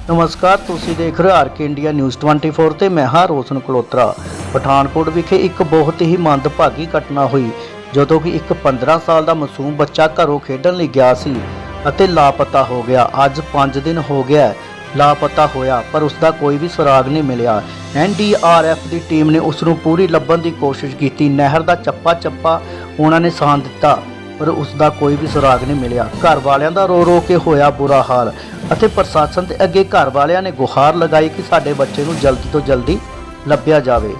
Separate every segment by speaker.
Speaker 1: ਨਮਸਕਾਰ, ਤੁਸੀਂ ਦੇਖ ਰਹੇ ਹੋ ਆਰਕੇ ਇੰਡੀਆ ਨਿਊਜ਼ 24 ਤੇ ਮੈਂ ਹਾਂ ਰੋਸ਼ਨ ਕਲੋਤਰਾ। ਪਠਾਨਕੋਟ ਵਿਖੇ ਇੱਕ ਬਹੁਤ ਹੀ ਮੰਦਭਾਗੀ ਘਟਨਾ ਹੋਈ ਜਦੋਂ ਕਿ ਇੱਕ 15 ਸਾਲ ਦਾ ਮਾਸੂਮ ਬੱਚਾ ਘਰੋਂ ਖੇਡਣ ਲਈ ਗਿਆ ਸੀ ਅਤੇ ਲਾਪਤਾ ਹੋ ਗਿਆ। ਅੱਜ 5 ਦਿਨ ਹੋ ਗਿਆ ਲਾਪਤਾ ਹੋਇਆ, ਪਰ ਉਸ ਦਾ ਕੋਈ ਵੀ ਸੁਰਾਗ ਨਹੀਂ ਮਿਲਿਆ। NDRF ਦੀ ਟੀਮ ਨੇ ਉਸ ਨੂੰ ਪੂਰੀ ਲੱਭਣ ਦੀ ਕੋਸ਼ਿਸ਼ ਕੀਤੀ। ਨਹਿਰ ਦਾ ਚੱਪਾ ਉਹਨਾਂ ਨੇ ਸਾਂਭ ਦਿੱਤਾ, ਪਰ ਉਸ ਦਾ ਕੋਈ ਵੀ ਸੁਰਾਗ ਨਹੀਂ ਮਿਲਿਆ। ਘਰ ਵਾਲਿਆਂ ਦਾ ਰੋ ਕੇ ਹੋਇਆ ਬੁਰਾ ਹਾਲ ਅਤੇ ਪ੍ਰਸ਼ਾਸਨ ਦੇ ਅੱਗੇ ਘਰ ਵਾਲਿਆਂ ਨੇ ਗੁਹਾਰ ਲਗਾਈ ਕਿ ਸਾਡੇ ਬੱਚੇ ਨੂੰ ਜਲਦੀ ਤੋਂ ਜਲਦੀ ਲੱਭਿਆ ਜਾਵੇ।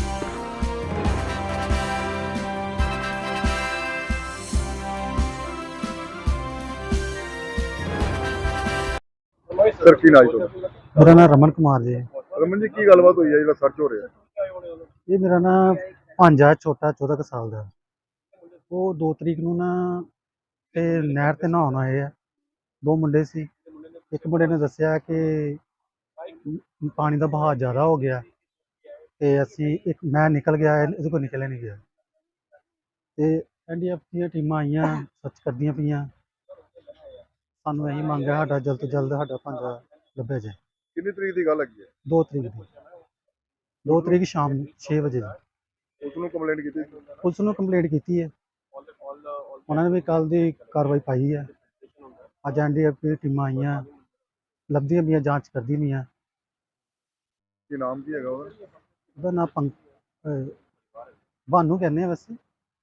Speaker 2: सर की नाम है?
Speaker 3: मेरा नाम रमन कुमार जी।
Speaker 2: रमन जी की गलबात हुई है जो सर्च हो रहा है?
Speaker 3: ये मेरा ना भांजा छोटा 14 साल का, वो 2 तरीक ਨੂੰ ਨਾ ਤੇ ਨਹਿਰ ਤੇ ਨਹਾਉਣ ਆਏ ਆ। 2 ਮੁੰਡੇ ਸੀ। ਇੱਕ ਮੁੰਡੇ ਨੇ ਦੱਸਿਆ ਕਿ ਪਾਣੀ ਦਾ ਬਹਾਅ ਜ਼ਿਆਦਾ ਹੋ ਗਿਆ ਤੇ ਮੈਂ ਨਿਕਲ ਗਿਆ, ਇਹਦੇ ਕੋਲ ਨਿਕਲਿਆ ਨਹੀਂ ਗਿਆ ਤੇ NDRF ਦੀਆਂ ਟੀਮਾਂ ਆਈਆਂ, ਸਰਚ ਕਰਦੀਆਂ ਪਈਆਂ। ਸਾਨੂੰ ਇਹੀ ਮੰਗ ਹੈ ਸਾਡਾ ਜਲਦ ਤੋਂ ਜਲਦ ਸਾਡਾ ਭਾਂਜਾ ਲੱਭਿਆ ਜਾਏ।
Speaker 2: कितनी तरीक की गल है?
Speaker 3: 2 ਤਰੀਕ ਦੀ, 2 ਤਰੀਕ ਸ਼ਾਮ 6 ਵਜੇ ਦੀ।
Speaker 2: उसने कंप्लेंट की थी?
Speaker 3: ਪੁਲਿਸ ਨੂੰ ਕੰਪਲੇਂਟ ਕੀਤੀ ਹੈ, ਉਹਨਾਂ ਨੇ ਵੀ ਕੱਲ ਦੀ ਕਾਰਵਾਈ ਪਾਈ ਹੈ। ਅੱਜ NDRF ਦੀਆਂ ਟੀਮਾਂ ਆਈਆਂ, ਲੱਭਦੀਆਂ ਪਈਆਂ, ਜਾਂਚ ਕਰਦੀਆਂ ਪਈਆਂ।
Speaker 2: की नाम की है
Speaker 3: ਉਹਦਾ ਨਾਮ ਭਾਨੂ ਕਹਿੰਦੇ ਆ, ਵੈਸੇ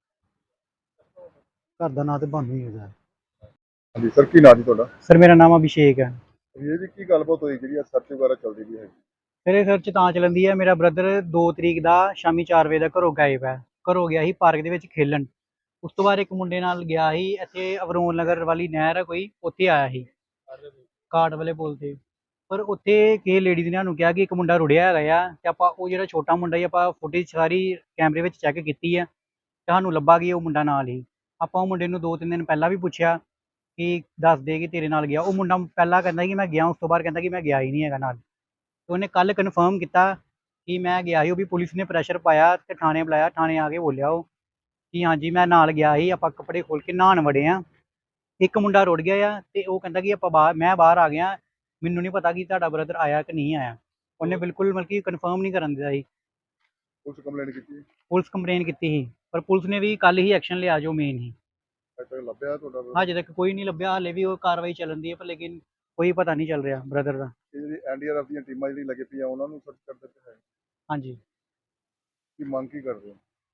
Speaker 3: ਘਰ ਦਾ ਨਾਂ ਤੇ ਭਾਨੂ ਹੀ ਹੋ ਜਾਏ।
Speaker 2: हाँ जी सर की नाम जी?
Speaker 4: ਸਰ ਮੇਰਾ ਨਾਮ ਅਭਿਸ਼ੇਕ ਹੈ।
Speaker 2: ये जी की गलबात हुई जी सर्च वगैरह चलती भी है?
Speaker 4: ਫਿਰ ਇਹ ਸਰਚ ਤਾਂ ਚੱਲਦੀ ਹੈ, ਮੇਰਾ ਬ੍ਰਦਰ 2 ਤਰੀਕ ਦਾ ਸ਼ਾਮੀ 4 ਵਜੇ ਦਾ ਘਰੋਂ ਗਾਇਬ ਹੈ। ਘਰੋਂ ਗਿਆ ਸੀ ਪਾਰਕ ਦੇ ਵਿੱਚ ਖੇਲਣ। ਉਸ ਤੋਂ ਬਾਅਦ ਇੱਕ ਮੁੰਡੇ ਨਾਲ ਗਿਆ ਸੀ, ਇੱਥੇ ਅਵਰੋਨ ਨਗਰ ਵਾਲੀ ਨਹਿਰ ਹੈ ਕੋਈ, ਉੱਥੇ ਆਇਆ ਸੀ ਕਾਟ ਵਾਲੇ ਪੁਲ ਤੇ। ਪਰ ਉੱਥੇ ਕਿਸੇ ਲੇਡੀ ਨੇ ਸਾਨੂੰ ਕਿਹਾ ਕਿ ਇੱਕ ਮੁੰਡਾ ਰੁੜਿਆ ਹੈਗਾ ਆ, ਤੇ ਆਪਾਂ ਉਹ ਜਿਹੜਾ ਛੋਟਾ ਮੁੰਡਾ ਸੀ ਆਪਾਂ ਫੁਟੇਜ ਸਾਰੀ ਕੈਮਰੇ ਵਿੱਚ ਚੈੱਕ ਕੀਤੀ ਹੈ ਤੇ ਸਾਨੂੰ ਲੱਭਾ ਕਿ ਉਹ ਮੁੰਡਾ ਨਾਲ ਹੀ। ਆਪਾਂ ਉਹ ਮੁੰਡੇ ਨੂੰ 2-3 ਦਿਨ ਪਹਿਲਾਂ ਵੀ ਪੁੱਛਿਆ ਕਿ ਦੱਸ ਦੇ ਕਿ ਤੇਰੇ ਨਾਲ ਗਿਆ। ਉਹ ਮੁੰਡਾ ਪਹਿਲਾਂ ਕਹਿੰਦਾ ਕਿ ਮੈਂ ਗਿਆ, ਉਸ ਤੋਂ ਬਾਅਦ ਕਹਿੰਦਾ ਕਿ ਮੈਂ ਗਿਆ ਹੀ ਨਹੀਂ ਹੈਗਾ ਨਾਲ। ਤੇ ਉਹਨੇ ਕੱਲ ਕਨਫਰਮ ਕੀਤਾ ਕਿ ਮੈਂ ਗਿਆ ਸੀ। ਉਹ ਵੀ ਪੁਲਿਸ ਨੇ ਪ੍ਰੈਸ਼ਰ ਪਾਇਆ ਤੇ ਥਾਣੇ ਬੁਲਾਇਆ। ਥਾਣੇ ਆ ਕੇ ਬੋਲਿਆ ਉਹ ਕਿ ਹਾਂਜੀ ਮੈਂ ਨਾਲ ਗਿਆ ਸੀ, ਆਪਾਂ ਕੱਪੜੇ ਖੋਲ ਕੇ ਨਹਾਉਣ ਵੜੇ ਆ। ਇੱਕ ਮੁੰਡਾ ਰੁੜ ਗਿਆ ਆ ਤੇ ਉਹ ਕਹਿੰਦਾ ਕਿ ਮੈਂ ਬਾਹਰ ਆ ਗਿਆ, ਮੈਨੂੰ ਨਹੀਂ ਪਤਾ ਕਿ ਤੁਹਾਡਾ ਬ੍ਰਦਰ ਆਇਆ ਕਿ ਨਹੀਂ ਆਇਆ। ਉਹਨੇ ਬਿਲਕੁਲ ਮਤਲਬ ਕਿ ਕਨਫਰਮ ਨਹੀਂ ਕਰਨ ਦਿਆ ਸੀ।
Speaker 2: पुलिस कंप्लेंट की थी?
Speaker 4: ਪੁਲਿਸ ਕੰਪਲੇਨ ਕੀਤੀ ਸੀ, ਪਰ ਪੁਲਿਸ ਨੇ ਵੀ ਕੱਲ ਹੀ ਐਕਸ਼ਨ ਲਿਆ ਜੋ ਮੇਨ ਹੀ।
Speaker 2: अज तक लभ्या थोड़ा?
Speaker 4: ਹਜੇ ਤੱਕ ਕੋਈ ਨਹੀਂ ਲੱਭਿਆ, ਹਾਲੇ ਵੀ ਉਹ ਕਾਰਵਾਈ ਚੱਲਣ ਦੀ ਹੈ, ਪਰ ਲੇਕਿਨ ਕੋਈ ਪਤਾ ਨਹੀਂ ਚੱਲ ਰਿਹਾ ਬ੍ਰਦਰ ਦਾ।
Speaker 2: ये NDRF ਦੀਆਂ ਟੀਮਾਂ ਜਿਹੜੀ ਲੱਗੇ ਪਈਆਂ ਉਹਨਾਂ ਨੂੰ ਸਰਚ ਕਰਦੇ ਪਏ ਹੈ,
Speaker 4: ਹਾਂਜੀ
Speaker 2: ਕੀ ਮੰਗ ਕੀ ਕਰਦੇ ਹੋ?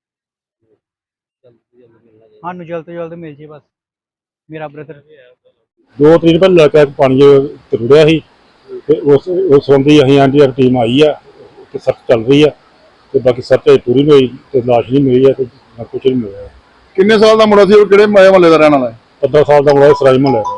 Speaker 4: ਸਾਨੂੰ ਜਲਦ ਤੋਂ ਜਲਦ ਮਿਲ ਜੇ ਬਸ ਮੇਰਾ ਬ੍ਰਦਰ।
Speaker 5: 2 ਤਰੀਕ ਪਹਿਲਾਂ ਲੜਕਾ ਪਾਣੀ ਚ ਰੁੜਿਆ ਸੀ ਤੇ ਉਸ ਸੰਬੰਧੀ ਅਸੀਂ NDRF ਟੀਮ ਆਈ ਆ ਤੇ ਸਰਚ ਚੱਲ ਰਹੀ ਆ ਤੇ ਬਾਕੀ ਸਰਚ ਪੂਰੀ ਨਹੀਂ ਹੋਈ ਤੇ ਲਾਸ਼ ਨਹੀਂ ਮਿਲੀ ਆ ਤੇ ਨਾ ਕੁਛ ਨਹੀਂ ਮਿਲਿਆ।
Speaker 2: ਕਿੰਨੇ ਸਾਲ ਦਾ ਮੁੰਡਾ ਸੀ ਉਹ? ਕਿਹੜੇ ਮਹੱਲੇ ਦਾ ਰਹਿਣ ਵਾਲਾ ਹੈ?
Speaker 5: 15 ਸਾਲ ਦਾ ਮੁੰਡਾ ਸਰਾਈ ਮਹੱਲੇ ਦਾ।